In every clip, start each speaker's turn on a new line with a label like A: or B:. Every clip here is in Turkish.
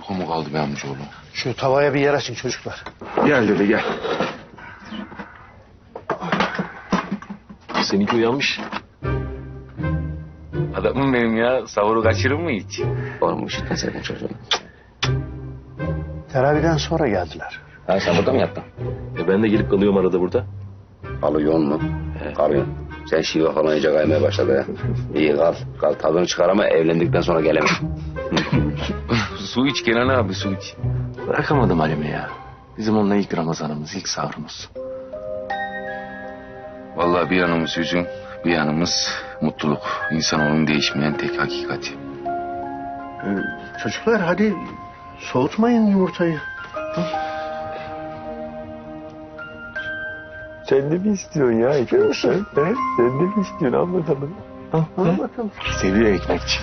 A: Uyku mu kaldı be amcaoğlu?
B: Şu tavaya bir yer açın çocuklar.
A: Gel dede gel.
C: Seninki uyanmış.
D: Adamım benim ya. Sahuru kaçırır mı hiç?
C: Oğlum üşütmeseydin çocuğu.
B: Teraviden sonra geldiler.
C: Ha sen burada mı yattın? Ben de gelip kalıyorum arada burada.
E: Kalıyorsun mu? Kalıyorsun. Sen şive falan iyice kaymaya başladı ya. İyi kal. Kal tadını çıkar ama evlendikten sonra gelemem.
D: Su iç Kenan abi, su iç.
C: Bırakamadım Halim'i ya. Bizim onunla ilk Ramazanımız, ilk sahurumuz.
A: Vallahi bir yanımız hüzün, bir yanımız mutluluk. İnsanoğlunun değişmeyen tek hakikati.
B: Çocuklar hadi soğutmayın yumurtayı.
C: Sen de mi istiyorsun ya ekmek? Sen de mi istiyorsun? Al bakalım.
B: Al bakalım.
C: Seviyor ekmekçi.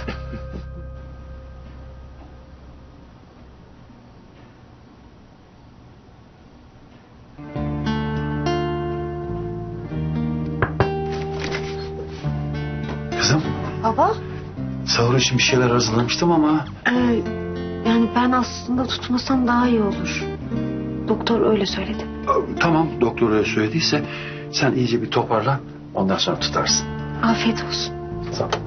F: Kızım,
G: Baba,
F: sahur için bir şeyler hazırlamıştım ama...
G: yani ben aslında tutmasam daha iyi olur. Doktor öyle söyledi.
F: Tamam, doktor öyle söylediyse sen iyice bir toparlan, ondan sonra tutarsın.
G: Afiyet olsun.
F: Sağ ol.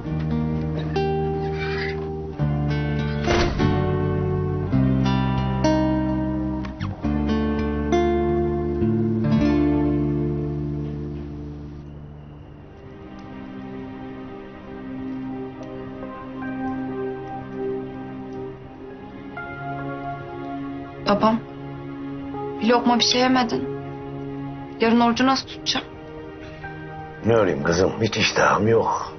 H: Babam, bir lokma bir şey yemedin. Yarın orucu nasıl tutacağım?
B: Ne öreyim kızım, hiç iştahım yok.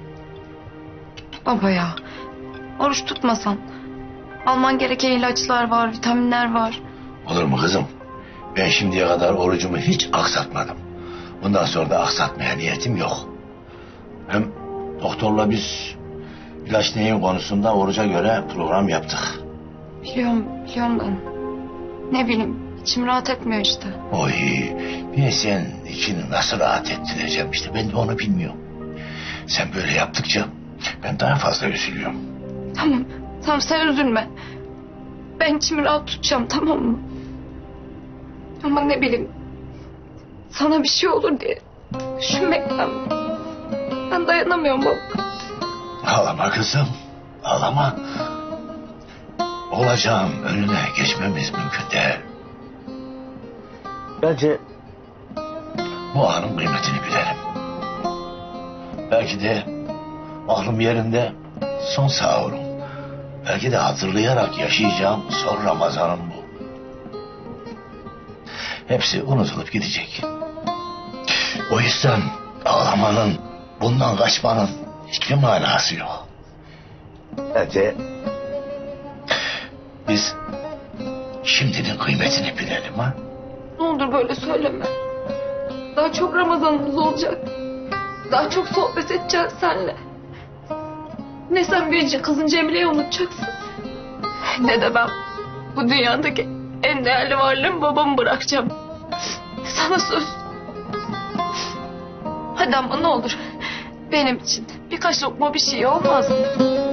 H: Baba ya, oruç tutmasan. Alman gereken ilaçlar var, vitaminler var.
I: Olur mu kızım? Ben şimdiye kadar orucumu hiç aksatmadım. Bundan sonra da aksatmaya niyetim yok. Hem doktorla biz ilaç neyin konusunda oruca göre program yaptık.
H: Biliyorum ben. Ne bileyim, içim rahat etmiyor işte.
I: Oy, ben sen içini nasıl rahat ettireceğim işte, ben de onu bilmiyorum. Sen böyle yaptıkça ben daha fazla üzülüyorum.
H: Tamam sen üzülme. Ben içimi rahat tutacağım, tamam mı? Ama ne bileyim, sana bir şey olur diye düşünmekten ben dayanamıyorum baba.
I: Ağlama kızım, ağlama. Olacağım önüne geçmemiz mümkün değil.
B: Bence
I: Bu anın kıymetini bilelim. Belki de aklım yerinde son sahurum. Belki de hatırlayarak yaşayacağım son Ramazanım bu. Hepsi unutulup gidecek. O yüzden ağlamanın, bundan kaçmanın hiçbir manası yok. Bence biz şimdinin kıymetini bilelim ha.
H: Ne olur böyle söyleme. Daha çok Ramazanımız olacak. Daha çok sohbet edeceğiz seninle. Ne sen büyüyünce kızın Cemile'yi unutacaksın. Ne de ben bu dünyadaki en değerli varlığımı babamı bırakacağım. Sana söz. Hadi ama ne olur benim için birkaç lokma bir şey olmaz mı?